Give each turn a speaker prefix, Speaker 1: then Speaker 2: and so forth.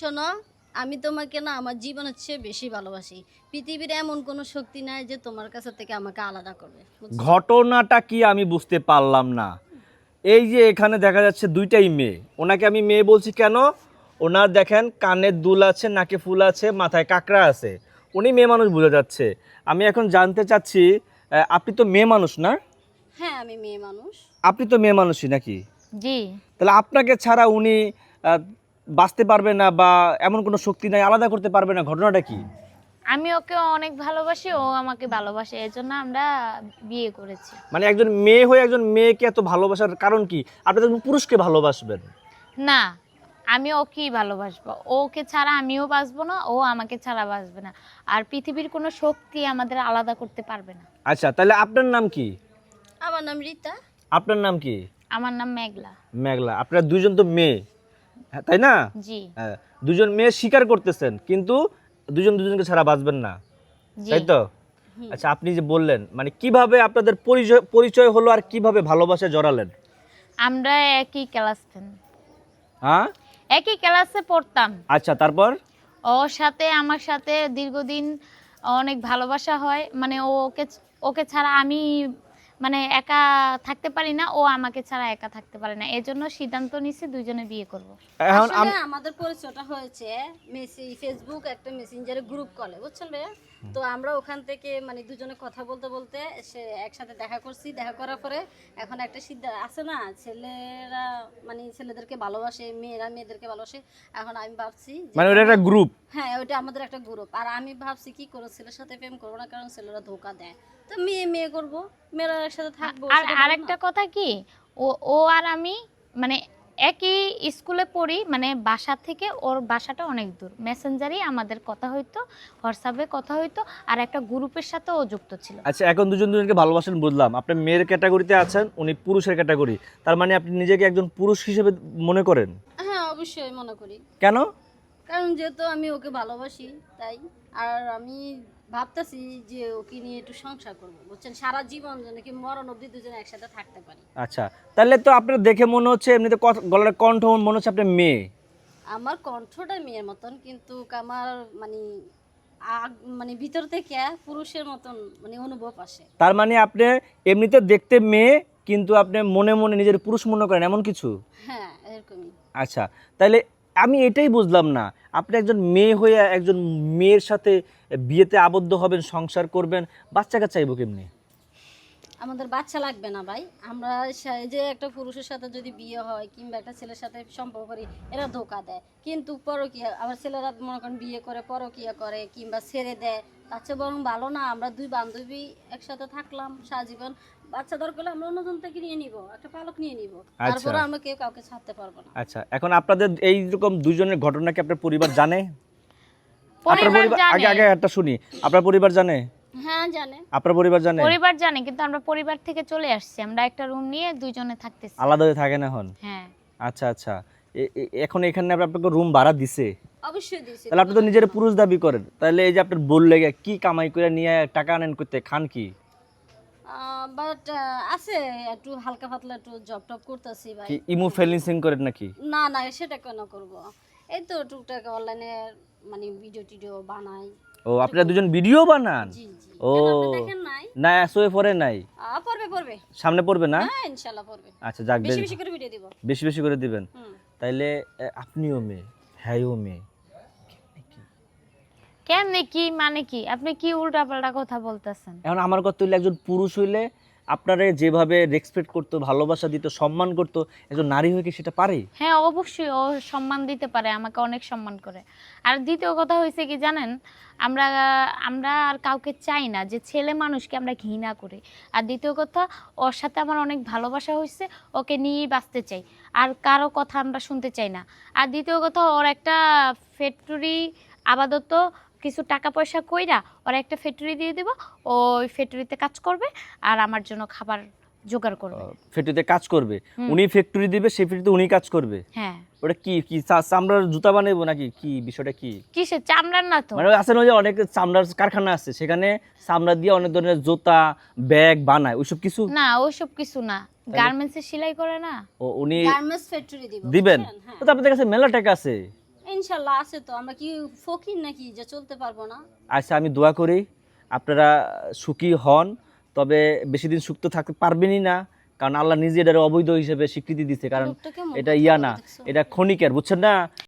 Speaker 1: শোনো, আমি তোমাকে না আমার জীবনের চেয়ে বেশি ভালোবাসি। পৃথিবীর এমন কোনো শক্তি নাই যে তোমার কাছে থেকে আমাকে আলাদা করবে, বুঝছো?
Speaker 2: ঘটনাটা কি আমি বুঝতে পারলাম না। এই যে এখানে দেখা যাচ্ছে দুইটাই মেয়ে, ওনাকে আমি মেয়ে বলছি কেন? ওনার দেখেন কানের দুল আছে, নাকে ফুল আছে, মাথায় কাকড়া আছে, উনি মেয়ে মানুষ বোঝা যাচ্ছে। আমি এখন জানতে চাচ্ছি, আপনি তো মেয়ে মানুষ না?
Speaker 1: হ্যাঁ, আমি মেয়ে মানুষ।
Speaker 2: আপনি তো মেয়ে মানুষই নাকি?
Speaker 3: জি।
Speaker 2: তাহলে আপনাকে ছাড়া উনি আহ, বাঁচতে পারবে না, বা এমন কোনো শক্তি নাই, আলাদা করতে পারবে না, ঘটনাটা কি?
Speaker 3: আমি ওকে অনেক ভালোবাসি, ও আমাকে ভালোবাসে, এজন্য আমরা বিয়ে করেছি।
Speaker 2: মানে একজন মেয়ে হয়ে একজন মেয়েকে এত ভালোবাসার কারণ কি? আপনি তো একজন পুরুষকে ভালোবাসবেন।
Speaker 3: না, আমি ওকেই ভালোবাসবো, ওকে ছাড়া আমিও বাঁচবো না, ও আমাকে ছাড়া বাঁচবে না। আর পৃথিবীর কোনো শক্তি আমাদের আলাদা করতে পারবে না।
Speaker 2: আচ্ছা, তাহলে আপনার নাম কি?
Speaker 1: আমার নাম রীতা।
Speaker 2: আপনার নাম কি?
Speaker 3: আমার নাম মেঘলা।
Speaker 2: মেঘলা। আপনারা দুইজন তো মেয়ে, হ্যাঁ, তাই না?
Speaker 3: জি।
Speaker 2: হ্যাঁ, দুজন মেয়ে স্বীকার করতেছেন, কিন্তু দুজন দুজনকে ছাড়া বাঁচবেন না,
Speaker 3: জি।
Speaker 2: তাই তো? আচ্ছা, আপনি যে বললেন মানে কিভাবে আপনাদের পরিচয় পরিচয় হলো আর কিভাবে ভালোবাসায় জড়ালেন?
Speaker 3: আমরা একই ক্লাস ফ্রেন্ড,
Speaker 2: হ্যাঁ,
Speaker 3: একই ক্লাসে পড়তাম।
Speaker 2: আচ্ছা, তারপর?
Speaker 3: ওর সাথে আমার সাথে দীর্ঘদিন অনেক ভালোবাসা হয়, মানে ওকে ওকে ছাড়া আমি মানে একা থাকতে পারি না, ও আমাকে ছাড়া একা থাকতে পারে না, এজন্য সিদ্ধান্ত নিছি দুইজনে বিয়ে করব।
Speaker 2: এখন
Speaker 1: আসলে আমাদের পরিচয়টা হয়েছে ফেসবুক একটা মেসেঞ্জারে গ্রুপ কলে, বুঝছেন ভাইয়া? তো আমরা ওখান থেকে মানে দুজনে কথা বলতে বলতে সে একসাথে দেখা করছি। দেখা করার পরে এখন একটা সিদ্ধান্ত আছে না, ছেলেরা মানে ছেলেদেরকে ভালোবাসে, মেয়েরা মেয়েদেরকে ভালোবাসে। এখন আমি ভাবছি যে
Speaker 2: মানে ওটা একটা গ্রুপ।
Speaker 1: হ্যাঁ, ওইটা আমাদের একটা গ্রুপ। আর আমি ভাবছি কি করবো, ছেলের সাথে প্রেম করবো না, কারণ ছেলেরা ধোকা দেয়। তো মেয়ে মেয়ে করবো, মেয়েরা একসাথে থাকবো।
Speaker 3: আর
Speaker 1: সেটা ভালো
Speaker 3: আরেকটা
Speaker 1: না?
Speaker 3: কথা কি, ও ও আর আমি মানে একই স্কুলে পড়ি, মানে বাসা থেকে ওর বাসাটা অনেক দূর, মেসেঞ্জারই আমাদের কথা হইতো, হোয়াটসঅ্যাপে কথা হইতো, আর একটা গ্রুপের সাথে ও যুক্ত ছিল।
Speaker 2: আচ্ছা, এখন দুজন দুজনকে ভালোবাসেন বুঝলাম, আপনি মেয়ের ক্যাটাগরিতে আছেন, উনি পুরুষের ক্যাটাগরি, তার মানে আপনি নিজেকে একজন পুরুষ হিসেবে মনে করেন?
Speaker 1: হ্যাঁ, অবশ্যই মনে করি।
Speaker 2: কেন?
Speaker 1: কারণ যেহেতু আমি ওকে ভালোবাসি তাই। আর আমি ভাবতেছি যে ওকে নিয়ে একটু সংসার করবো, বুঝছেন? সারা জীবন যেন কি মরণ অবধি দুজনে একসাথে থাকতে পারি।
Speaker 2: আচ্ছা, তাহলে তো আপনার দেখে মনে হচ্ছে, এমনিতে গলার কণ্ঠ মনে হচ্ছে আপনি মেয়ে।
Speaker 1: আমার কণ্ঠটা মেয়ের মতন, কিন্তু আমার মানে মানে ভিতর থেকে পুরুষের মতন মানে অনুভব আসে।
Speaker 2: তার মানে আপনি এমনিতে দেখতে মেয়ে, কিন্তু আপনি মনে মনে নিজের পুরুষ মনে করেন, এমন কিছু?
Speaker 1: হ্যাঁ, এরকমই।
Speaker 2: আচ্ছা, তাহলে আমি এটাই বুঝলাম না, আপনি একজন মেয়ে হয়ে একজন মেয়ের সাথে বিয়েতে আবদ্ধ হবেন, সংসার করবেন, বাচ্চা কাচ্চা চাইবো কেমনি?
Speaker 1: আমাদের বাচ্চা লাগবে না ভাই। আমরা এই যে একটা পুরুষের সাথে যদি বিয়ে হয় কিংবা একটা ছেলের সাথে সম্পর্ক করি, এরা ধোকা দেয়। কিন্তু পরকীয়া আবার ছেলেরা মনে করেন বিয়ে করে পরকীয়া করে কিংবা ছেড়ে দেয়। তার চেয়ে বরং ভালো না, আমরা দুই বান্ধবী একসাথে থাকলাম সারা জীবন। বাচ্চা দরকার হলে আমরা অন্যজন থেকে নিয়ে নিব, একটা পালক নিয়ে নিব। তারপরে আমরা কেউ কাউকে ছাড়তে পারবো না।
Speaker 2: আচ্ছা, এখন আপনাদের এইরকম দুজনের ঘটনা কি আপনার পরিবার জানে? আপনার
Speaker 3: পরিবার
Speaker 2: পরিবার
Speaker 3: জানে।
Speaker 2: আগে আগে একটা শুনি, আপনার পরিবার জানে?
Speaker 1: হ্যাঁ, জানে।
Speaker 2: আপনার পরিবার জানে?
Speaker 3: পরিবার জানে, কিন্তু আমরা পরিবার থেকে চলে আসছি, আমরা একটা রুম নিয়ে দুইজনে থাকতেছি।
Speaker 2: আলাদা হয়ে থাকেন এখন?
Speaker 3: হ্যাঁ।
Speaker 2: আচ্ছা আচ্ছা, এখন এখানে আপনাকে রুম ভাড়া দিছে?
Speaker 1: অবশ্যই দিয়েছি।
Speaker 2: তাহলে আপনি তো নিজের পুরুষ দাবি করেন, তাহলে এই যে আপনার বললে কি কামাই করে নিয়ে টাকা আনেন, করতে খান কি?
Speaker 1: বাট আছে একটু হালকা পাতলা একটু জব টব করতেছি ভাই।
Speaker 2: কি ইমো ফেলিংসিং করেন নাকি?
Speaker 1: না না, সেটা কেন করব? এই তো টুকটাক অনলাইনে মানে ভিডিও টিডিও বানাই।
Speaker 2: ও, আপনারা দুজন ভিডিও বানান?
Speaker 1: জি জি।
Speaker 2: ও,
Speaker 1: কেন আপনি দেখেন নাই?
Speaker 2: না আসলে পরে নাই,
Speaker 1: পড়বে পড়বে।
Speaker 2: সামনে পড়বে না?
Speaker 1: হ্যাঁ, ইনশাআল্লাহ পড়বে।
Speaker 2: আচ্ছা, যাক,
Speaker 1: বেশি বেশি করে ভিডিও দিব।
Speaker 2: বেশি বেশি করে দিবেন।
Speaker 1: হুম।
Speaker 2: তাইলে আপনিও মেয়ে, হ্যাঁও মেয়ে।
Speaker 3: কেমনে কি মানে কি, আপনি কি উল্টাপাল্টা কথা বলতেছেন?
Speaker 2: এখন আমার কথা হইলে, একজন পুরুষ হইলে আপনারে যেভাবে রেসপেক্ট করতো, ভালোবাসা দিত, সম্মান করতো, একজন নারী হয়ে কি সেটা পারে?
Speaker 3: হ্যাঁ, অবশ্যই ও সম্মান দিতে পারে, আমাকে অনেক সম্মান করে। আর দ্বিতীয় কথা হয়েছে কি জানেন, আমরা আমরা আর কাউকে চাই না যে ছেলে মানুষকে আমরা ঘৃণা করি। আর দ্বিতীয় কথা, ওর সাথে আমার অনেক ভালোবাসা হয়েছে, ওকে নিয়েই বাঁচতে চাই, আর কারো কথা আমরা শুনতে চাই না। আর দ্বিতীয় কথা, ওর একটা ফ্যাক্টরি আপাতত কিছু টাকা পয়সা কইরা ওর একটা ফ্যাক্টরি দিয়ে দেব, ওই ফ্যাক্টরিতে কাজ করবে আর আমার জন্য খাবার জোগাড় করবে।
Speaker 2: ফ্যাক্টরিতে কাজ করবে? উনি ফ্যাক্টরি দিবে, সেই ফ্যাক্টরিতে উনি কাজ করবে?
Speaker 3: হ্যাঁ।
Speaker 2: ওটা কি কি চামড়ার জুতা বানাবো নাকি কি? বিষয়টা কি?
Speaker 3: কিসের চামড়ার? না তো,
Speaker 2: মানে আছে না, ওই যে অনেক চামড়ার কারখানা আছে, সেখানে চামড়া দিয়ে অনেক ধরনের জুতা, ব্যাগ বানায়, ওইসব কিছু?
Speaker 3: না ওইসব কিছু না, গার্মেন্টসে সেলাই করে না।
Speaker 2: ও, উনি
Speaker 1: গার্মেন্টস ফ্যাক্টরি দিব।
Speaker 2: দিবেন?
Speaker 1: বুঝছেন? হ্যাঁ।
Speaker 2: তো আপনাদের কাছে মেলা টাকা আছে।
Speaker 1: ইনশাল্লাহ আছে তো, আমরা কি ফকির নাকি যে চলতে পারবো না?
Speaker 2: আচ্ছা আমি দোয়া করি আপনারা সুখী হন, তবে বেশি দিন সুখ তো থাকতে পারবেনই না, কারণ আল্লাহ নিজে এটার অবৈধ হিসেবে স্বীকৃতি দিচ্ছে, কারণ
Speaker 1: লোকটা কেমন
Speaker 2: এটা
Speaker 1: কথা
Speaker 2: ইয়া
Speaker 1: বলে
Speaker 2: না,
Speaker 1: দেখছো?
Speaker 2: এটা ক্ষণিকের, বুঝছেন না।